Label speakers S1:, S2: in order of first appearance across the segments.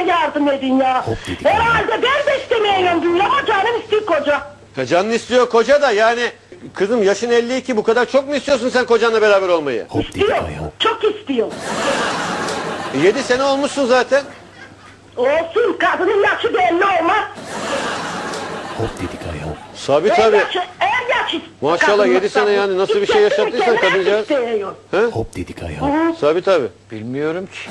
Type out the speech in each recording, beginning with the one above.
S1: yardım edin ya. Herhalde ben de istemiyorum böyle ama canım istiyor koca.
S2: Ya canın istiyor koca da yani kızım yaşın 52 bu kadar çok mu istiyorsun sen kocanla beraber olmayı?
S1: İstiyor. Çok istiyor.
S2: 7 sene olmuşsun zaten.
S1: Olsun kadının yaşı belli olmaz.
S2: Tabii tabii.
S1: En yaşı.
S2: Maşallah 7 sene yani nasıl bir şey yaşattıysan kadıncağız. He?
S3: Hop dedik ayağı.
S2: Tabii tabii.
S4: Bilmiyorum ki.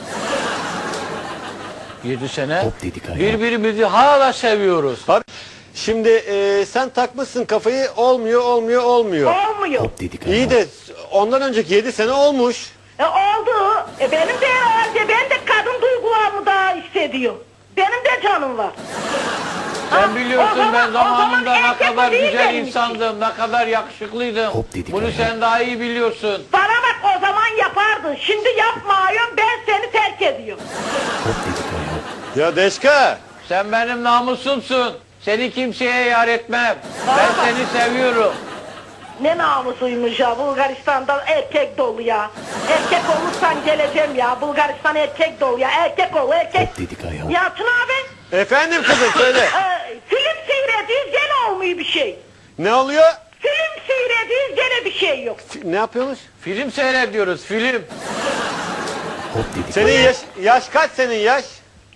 S4: 7 sene
S3: Hop dedik ayağı.
S4: birbirimizi hala seviyoruz.
S2: Abi, şimdi sen takmışsın kafayı olmuyor.
S1: Olmuyor.
S3: Hop dedik ayağı.
S2: İyi de ondan önceki 7 sene olmuş.
S1: Oldu. Benim de herhalde ben de kadın duygularımı daha hissediyorum. Benim de canım var.
S4: Sen biliyorsun ben
S1: o zaman
S4: zamanında ne
S1: erkek
S4: kadar
S1: o değil
S4: güzel
S1: benim için.
S4: insandım, ne kadar yakışıklıydım.
S3: Hop dedik
S4: Bunu
S3: ayağı.
S4: sen daha iyi biliyorsun.
S1: Bana bak o zaman yapardın. Şimdi yapmıyorum ben seni terk ediyorum.
S3: Hop dedik ayağı.
S2: Ya Deşka.
S4: Sen benim namusumsun. Seni kimseye yar etmem. Ben seni seviyorum.
S1: Ne namusuymuş ya Bulgaristan'da erkek dolu ya. Erkek olursan geleceğim ya. Bulgaristan erkek dolu ya. Erkek ol erkek.
S3: Hop dedik ayağı.
S1: Yalçın abi.
S2: Efendim kızım söyle.
S1: Film seyrediyoruz gene olmuyor bir şey.
S2: Ne oluyor?
S1: Film seyrediyoruz gene bir şey yok.
S2: Ne yapıyormuş?
S4: Film seyrediyoruz, film.
S3: Hop dedik
S2: Senin yaş kaç senin yaş?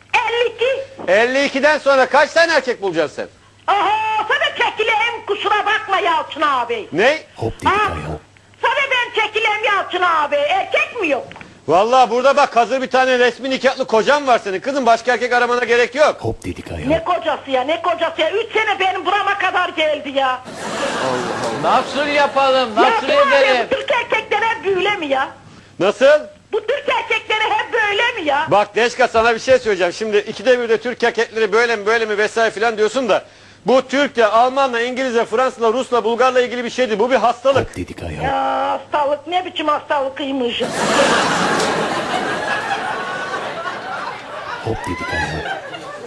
S1: 52.
S2: 52'den sonra kaç tane erkek bulacaksın sen?
S1: Aha sana çekileyim kusura bakma Yalçın abi.
S2: Ne?
S3: Hop dedik ayağı.
S1: Sana ben çekileyim Yalçın abi. Erkek mi yok?
S2: Vallahi burada bak hazır bir tane resmi nikahlı kocan var senin. Kızım başka erkek aramana gerek yok.
S3: Hop dedik ayağı.
S1: Ne kocası ya ne kocası ya. 3 sene benim burama kadar geldi ya.
S4: Nasıl yapalım, nasıl
S1: Yalçın abi
S4: edelim?
S1: bu Türk erkekleri hep böyle mi ya?
S2: Nasıl?
S1: Bu Türk erkekleri hep böyle mi ya?
S2: Bak Deşka sana bir şey söyleyeceğim. Şimdi ikide bir de Türk erkekleri böyle mi vesaire filan diyorsun da. Bu Türk'le, Alman'la, İngiliz'le, Fransız'la, Rus'la, Bulgar'la ilgili bir şeydi. Bu bir hastalık.
S3: Hop dedik ayağı.
S1: Ya hastalık ne biçim hastalıkıymış.
S3: Hop dedik ayağı.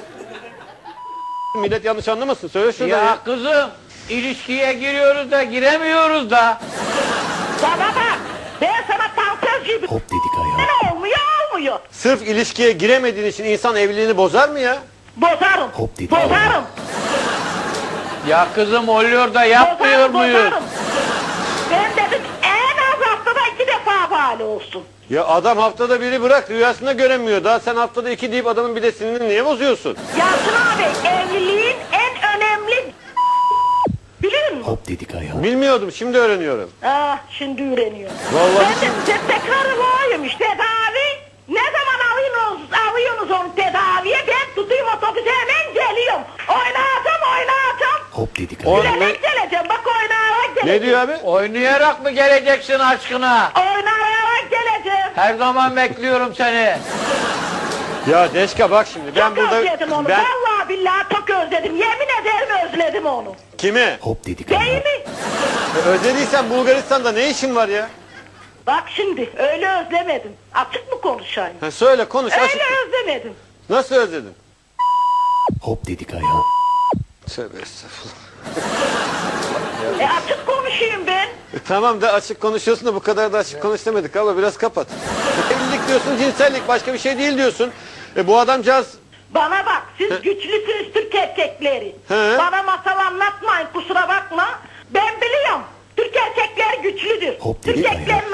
S2: Millet yanlış anlamasın. Söyle şurada ya.
S4: Ya kızım, ilişkiye giriyoruz da giremiyoruz da.
S1: Bana bak ben sana tansöz gibi.
S3: Hop dedik ayağı.
S1: Ne olmuyor.
S2: Sırf ilişkiye giremediğin için insan evliliğini bozar mı ya?
S1: Bozarım.
S3: Hop dedi.
S1: Bozarım.
S4: Ya kızım oluyor da yapmıyor muyuz?
S1: Bozarım. Ben dedim en az haftada 2 defa bali olsun.
S2: Ya adam haftada biri bırak rüyasında göremiyor. Daha sen haftada 2 deyip adamın bir de sinirini niye bozuyorsun?
S1: Yalçın abi evliliğin en önemli biliyor musun?
S3: Hop dedik ayağı.
S2: Bilmiyordum şimdi öğreniyorum.
S1: Ah şimdi öğreniyor.
S2: Vallahi
S1: Ben de size tekrar varmış tedavi. Ne zaman alıyorsunuz onu tedaviye ben tutayım otobüse hemen geliyorum. Oynayacağım.
S3: Hop dedik
S2: O-
S3: ayağı.
S1: Gülerek geleceğim bak oynayarak geleceğim.
S2: Ne diyor abi?
S4: Oynayarak mı geleceksin aşkına?
S1: Oynayarak geleceğim.
S4: Her zaman bekliyorum seni.
S2: Ya Deşka bak şimdi ben
S1: Çok
S2: burada...
S1: özledim onu. Vallahi billahi çok özledim. Yemin ederim özledim onu.
S2: Kimi?
S3: Hop dedik
S1: Değil
S3: ayağı.
S1: mi?
S2: Özlediysen Bulgaristan'da ne işin var ya?
S1: Bak şimdi öyle özlemedim. Açık mı konuşayım?
S2: Ha, söyle konuş açık.
S1: Öyle özlemedim.
S2: Nasıl özledin?
S3: Hop dedik ayağı.
S2: Tövbe estağfurullah.
S1: Açık konuşayım ben.
S2: Tamam da açık konuşuyorsun da bu kadar da açık konuş demedik abla biraz kapat. Evlilik diyorsun cinsellik başka bir şey değil diyorsun. Bu adamcağız...
S1: Bana bak siz güçlüsünüz Türk erkekleri.
S2: He.
S1: Bana masal anlatmayın kusura bakma. Ben biliyorum. Türk erkekleri güçlüdür.
S3: Hop
S1: Türk
S3: dedi
S1: erkeklerin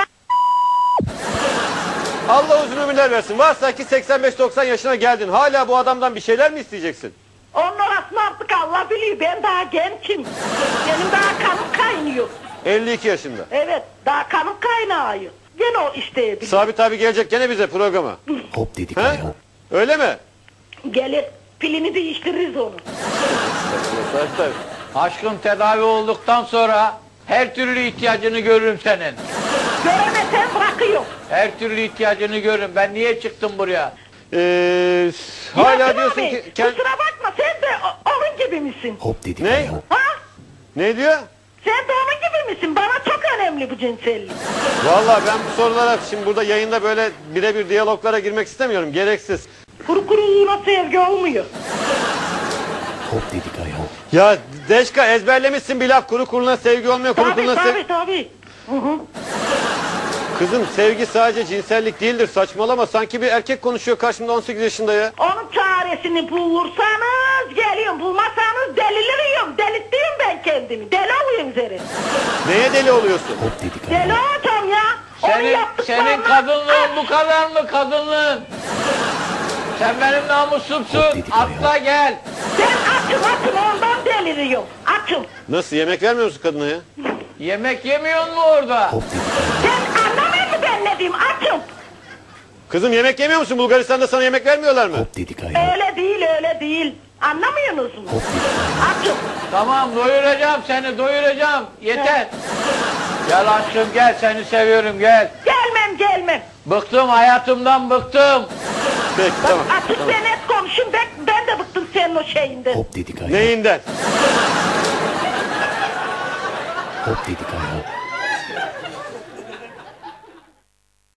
S2: Allah uzun ömürler versin. Varsa ki 85-90 yaşına geldin. Hala bu adamdan bir şeyler mi isteyeceksin?
S1: onun orasını artık Allah biliyor. Ben daha gençim. Benim daha kanım kaynıyor.
S2: 52 yaşında.
S1: Evet daha kanım kaynıyor. Gene o isteyebilir.
S2: Sabit abi gelecek gene bize programa.
S3: Hop dedik
S2: He?
S3: ayağı.
S2: Öyle mi?
S1: Gelir pilini değiştiririz onu.
S2: Sabit abi.
S4: Aşkım tedavi olduktan sonra her türlü ihtiyacını görürüm senin.
S1: Göremesen bırakıyor.
S4: Her türlü ihtiyacını görürüm. Ben niye çıktım buraya?
S2: Hala
S1: Yalçın
S2: diyorsun
S1: abi,
S2: ki...
S1: kusura bakma sen de onun gibi misin?
S3: Hop dedik
S2: Ne?
S3: ayağı.
S1: Ha?
S2: Ne diyor?
S1: Sen de onun gibi misin? Bana çok önemli bu cinsellik.
S2: Vallahi ben bu sorulara şimdi burada yayında böyle birebir diyaloglara girmek istemiyorum. Gereksiz.
S1: Kuru kuruğuna sevgi olmuyor.
S3: Hop dedik ayağı.
S2: Ya Deşka ezberlemişsin bir laf. Kuru kuruna sevgi olmuyor. Kuru
S1: Tabii
S2: kuruna
S1: tabii. Hı hı.
S2: Kızım sevgi sadece cinsellik değildir. Saçmalama. Sanki bir erkek konuşuyor karşımda 18 yaşında ya.
S1: Onun çaresi çaresini bulursanız geliyorum. Bulmazsanız deliriyorum. Delirttiğim ben kendimi. Deli olayım senin.
S2: Neye deli oluyorsun?
S3: Hop dedik
S1: Deli
S3: ayol.
S1: olacağım ya. Onu
S4: Senin
S1: yaptıklarına-
S4: kadınlığın bu kadar mı kadınlığın? Sen benim namusumsun.
S3: Hop dedik
S4: Atla gel.
S1: Ben açım ondan deliriyorum. Açım.
S2: Nasıl, yemek vermiyor musun kadına ya?
S4: Yemek yemiyor mu orada?
S3: Hop dedik ayol.
S1: Sen anlamıyor musun ben ne diyeyim? Açım.
S2: Kızım yemek yemiyor musun? Bulgaristan'da sana yemek vermiyorlar mı?
S3: Hop dedik ayol.
S1: Öyle değil öyle değil. Anlamıyorsunuz mu?
S3: Hop dedik ayol.
S1: Açım.
S4: Tamam doyuracağım seni doyuracağım. Yeter. Gel aşkım gel seni seviyorum gel.
S1: Gelmem.
S4: Bıktım hayatımdan bıktım.
S2: Peki tamam.
S1: Açık ve net konuşun. Ben de bıktım senin o şeyinden.
S3: Hop dedik ayol.
S2: Neyinden?
S3: Hop dedik ayol.